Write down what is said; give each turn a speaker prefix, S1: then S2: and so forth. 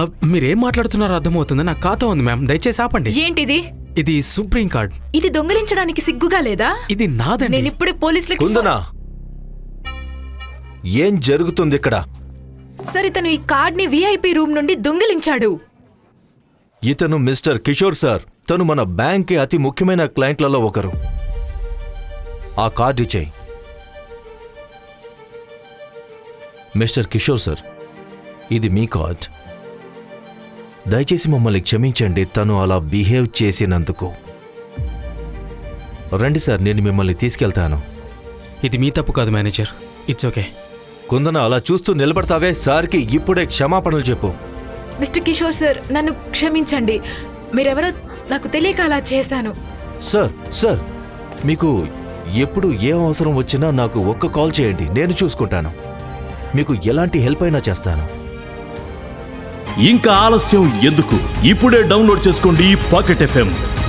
S1: మీరేం మాట్లాడుతున్నారో అర్థమవుతుందా? నాకు ఖాతా ఉంది మ్యామ్, దయచేసి ఆపండి.
S2: ఏంటిది?
S1: ఇది సుప్రీం కార్డ్.
S2: ఇది దొంగిలించడానికి సిగ్గుగా లేదా?
S1: ఇది నాదండి.
S2: నేను ఇప్పుడే పోలీసులకు
S3: కుందనా, ఏం జరుగుతుంది ఇక్కడ?
S2: సరే, తను ఈ కార్డ్ ని విఐపి రూమ్ నుండి దొంగిలించాడు.
S3: ఇతను మిస్టర్ కిషోర్ సార్. తను మన బ్యాంక్ అతి ముఖ్యమైన క్లయింట్లలో ఒకరు. ఆ కార్డు ఇచ్చేయి. మిస్టర్ కిషోర్ సార్, ఇది మీ కార్డ్. దయచేసి మమ్మల్ని క్షమించండి తను అలా బిహేవ్ చేసినందుకు. రండి సార్, నేను మిమ్మల్ని తీసుకెళ్తాను.
S1: ఇది మీ తప్పు కాదు మేనేజర్, ఇట్స్ ఓకే.
S3: కుందన, అలా చూస్తూ నిలబడతావే? సార్కి ఇప్పుడే క్షమాపణలు చెప్పు.
S2: మిస్టర్ కిషోర్ సార్, నన్ను క్షమించండి. మీరెవరో నాకు తెలియక అలా చేశాను.
S3: సార్ సార్, మీకు ఎప్పుడు ఏ అవసరం వచ్చినా నాకు ఒక్క కాల్ చేయండి, నేను చూసుకుంటాను. మీకు ఎలాంటి హెల్ప్ అయినా చేస్తాను.
S4: ఇంకా ఆలస్యం ఎందుకు? ఇప్పుడే డౌన్లోడ్ చేసుకోండి పాకెట్ FM.